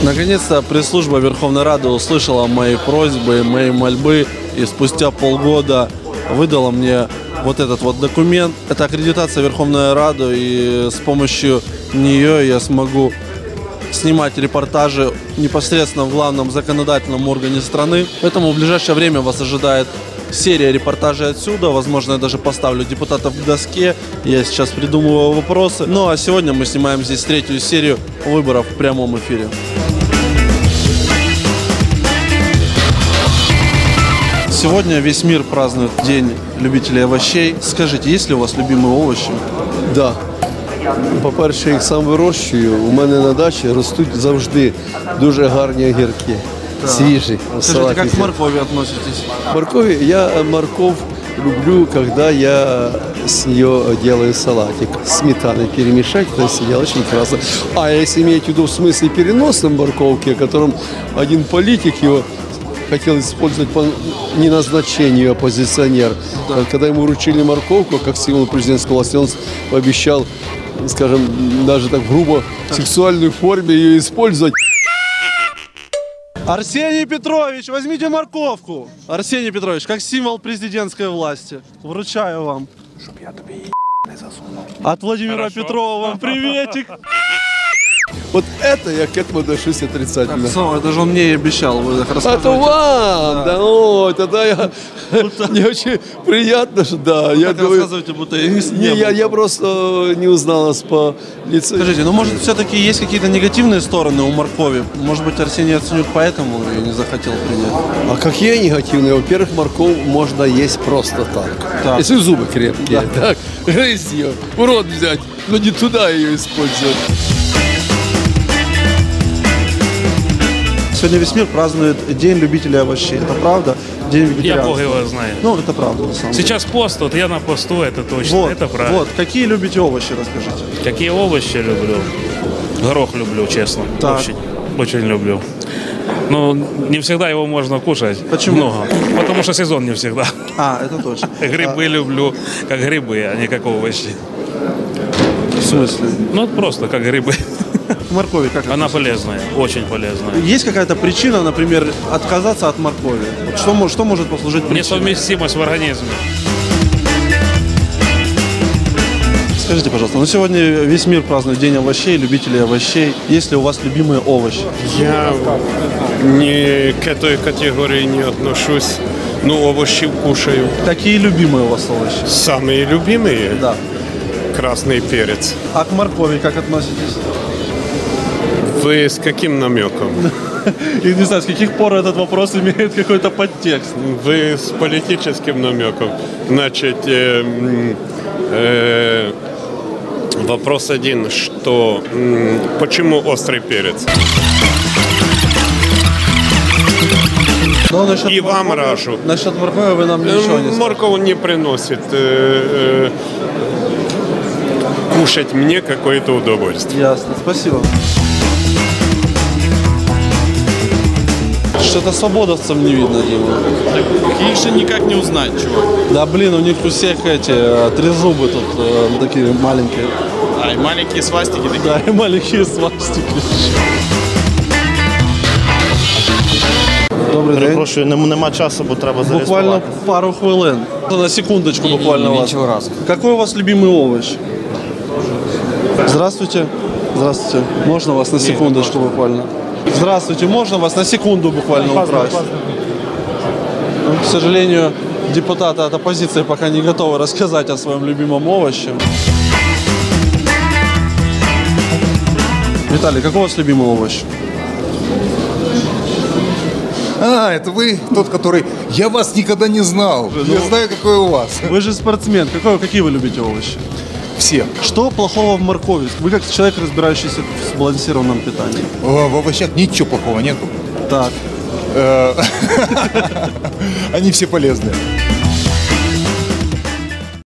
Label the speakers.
Speaker 1: Наконец-то пресс-служба Верховной Рады услышала мои просьбы, мои мольбы и спустя полгода выдала мне вот этот вот документ. Это аккредитация Верховной Рады, и с помощью нее я смогу снимать репортажи непосредственно в главном законодательном органе страны. Поэтому в ближайшее время вас ожидает серия репортажей отсюда. Возможно, я даже поставлю депутатов к доске. Я сейчас придумываю вопросы. Ну а сегодня мы снимаем здесь третью серию выборов в прямом эфире. Сегодня весь мир празднует День любителей овощей. Скажите, есть ли у вас любимые овощи?
Speaker 2: Да. По-перше, їх сам вирощую. У мене на дачі ростуть завжди дуже гарні огірки. Да. Свіжі.
Speaker 1: Скажите, как к моркови относитесь?
Speaker 2: Моркови, я морковь люблю, когда я с нее делаю салатик. Сметаной перемешать, это съел очень классно. А если имеете в виду в смысле переносном морковки, о котором один политик его хотел использовать по неназначению, оппозиционер. Да. Когда ему вручили морковку, как символ президентской власти, он пообещал, скажем, даже так грубо, в сексуальной форме ее использовать.
Speaker 1: Арсений Петрович, возьмите морковку. Арсений Петрович, как символ президентской власти. Вручаю вам.
Speaker 3: Чтоб я тебе не засунул.
Speaker 1: От Владимира Петрова вам приветик.
Speaker 2: Вот это я к этому отношусь отрицательно.
Speaker 1: Это же он мне и обещал. Вы так рассказываете.
Speaker 2: Это вам! Да, о, тогда я... Мне очень приятно, что да.
Speaker 1: Я рассказывайте, будто я не
Speaker 2: я просто не узнал вас по лицу.
Speaker 1: Скажите, ну может все-таки есть какие-то негативные стороны у моркови? Может быть, Арсений Яценюк поэтому ее не захотел принять?
Speaker 2: А какие негативные? Во-первых, морковь можно есть просто так. Если зубы крепкие. Да. Так, грызть ее, в рот взять, но не туда ее использовать.
Speaker 1: Сегодня весь мир празднует День любителей овощей. Это правда? День вегетарианцев.
Speaker 4: Я Бог его знает.
Speaker 1: Ну, это правда, на самом деле.
Speaker 4: Сейчас пост, вот я на посту, это точно,
Speaker 1: Вот,
Speaker 4: это правильно.
Speaker 1: Вот, какие любите овощи, расскажите.
Speaker 4: Какие овощи люблю? Горох люблю, честно.
Speaker 1: Так.
Speaker 4: Очень люблю. Но не всегда его можно кушать.
Speaker 1: Почему?
Speaker 4: Много. Потому что сезон не всегда.
Speaker 1: А, это точно.
Speaker 4: Грибы люблю, как грибы, а не как овощи.
Speaker 1: В смысле?
Speaker 4: Ну, просто как грибы.
Speaker 1: Моркови как
Speaker 4: Она
Speaker 1: относитесь?
Speaker 4: полезная, очень полезная.
Speaker 1: Есть какая-то причина, например, отказаться от моркови? Вот что может послужить причиной?
Speaker 4: Несовместимость в организме.
Speaker 1: Скажите, пожалуйста, ну сегодня весь мир празднует День овощей, любителей овощей. Есть ли у вас любимые овощи?
Speaker 5: Я ни к этой категории не отношусь. Ну, овощи кушаю.
Speaker 1: Какие любимые у вас овощи?
Speaker 5: Самые любимые?
Speaker 1: Да.
Speaker 5: Красный перец.
Speaker 1: А к моркови как относитесь?
Speaker 5: Вы с каким намеком?
Speaker 1: И не знаю, с каких пор этот вопрос имеет какой-то подтекст.
Speaker 5: Вы с политическим намеком. Значит, вопрос один, что почему острый перец? И вам рашу.
Speaker 1: Насчет моркови вы нам ничего не скажете.
Speaker 5: Морковь не приносит кушать мне какое-то удовольствие.
Speaker 1: Ясно, спасибо. Что-то свободовцев не видно, Дима.
Speaker 6: Их же никак не узнать, чувак.
Speaker 1: Да блин, у них у всех эти трезубы тут такие маленькие.
Speaker 6: А, и маленькие свастики такие.
Speaker 1: Да, и маленькие свастики. Добрий день.
Speaker 7: Перепрошую, нема часу, бо треба зареєструвати.
Speaker 1: Буквально пару хвилин. На секундочку буквально вас.
Speaker 7: Ничего раз.
Speaker 1: Какой у вас любимый овощ? Здравствуйте. Здравствуйте. Можно вас на секундочку буквально? Здравствуйте. Можно вас на секунду буквально украсть? Ну, к сожалению, депутаты от оппозиции пока не готовы рассказать о своем любимом овоще. Виталий, какой у вас любимый овощ?
Speaker 3: А, это вы тот, который... Я вас никогда не знал. Я знаю, какой у вас.
Speaker 1: Вы же спортсмен. Какие вы любите овощи?
Speaker 3: Все.
Speaker 1: Что плохого в моркови? Вы как человек, разбирающийся в сбалансированном питании.
Speaker 3: В овощах ничего плохого нету.
Speaker 1: Так.
Speaker 3: Они все полезные.